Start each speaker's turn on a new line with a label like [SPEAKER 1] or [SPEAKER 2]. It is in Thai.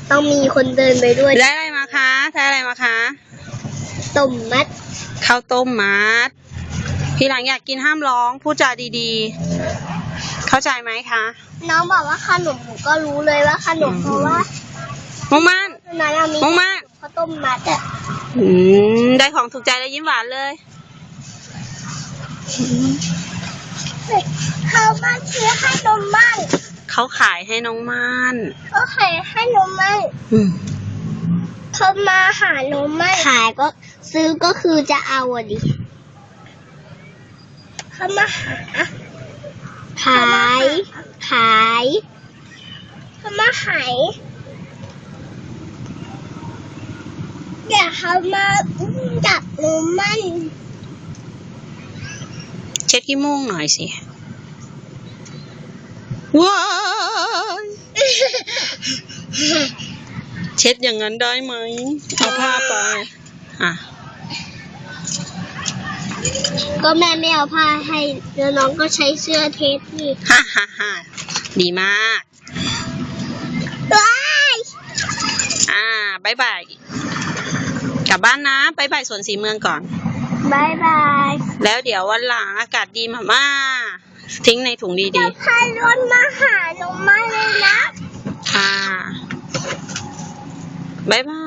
[SPEAKER 1] ต้องมีคนเดินไปด้วย
[SPEAKER 2] ได้อะไรมาคะได้อะไรมาคะ
[SPEAKER 1] ต้มมัด
[SPEAKER 2] ข้าวต้มมัดพี่หลังอยากกินห้ามร้องพูดจาดีๆเข้าใจไหมคะ
[SPEAKER 1] น้องบอกว่าขนมหนูก็รู้เลยว่าขนมเพราะว่า
[SPEAKER 2] มุงมันมุงมัน
[SPEAKER 1] ข้าวต้มมัดอ่ะ
[SPEAKER 2] ได้ของถูกใจแล้วยิ้มหวานเลย
[SPEAKER 1] เขามาซื้อให้นมมัน
[SPEAKER 2] เขาขายให้น้องมัน
[SPEAKER 1] เขาขายให้นมมันเขามาหานมมันขายก็ซื้อก็คือจะเอาอ่ะดิเขามาหาขายเขามาขายเดี๋ยวเขามาจับนมมัน
[SPEAKER 2] เช็ดขี้มูกหน่อยสิว้ายเช็ดอย่างนั้นได้ไหมเอาผ้าไป
[SPEAKER 1] ก็แม่ไม่เอาผ้าให้แล้วน้องก็ใช้เสื้อเทปนี่
[SPEAKER 2] ฮ่าดีมาก
[SPEAKER 1] ว้าย
[SPEAKER 2] บายบายกลับบ้านนะบายบายสวนสีเมืองก่อน
[SPEAKER 1] บายบาย
[SPEAKER 2] แล้วเดี๋ยววันหลังอากาศดีมาทิ้งในถุงดี
[SPEAKER 1] ๆพารถมาหาหนูมาเลยนะ
[SPEAKER 2] บายบาย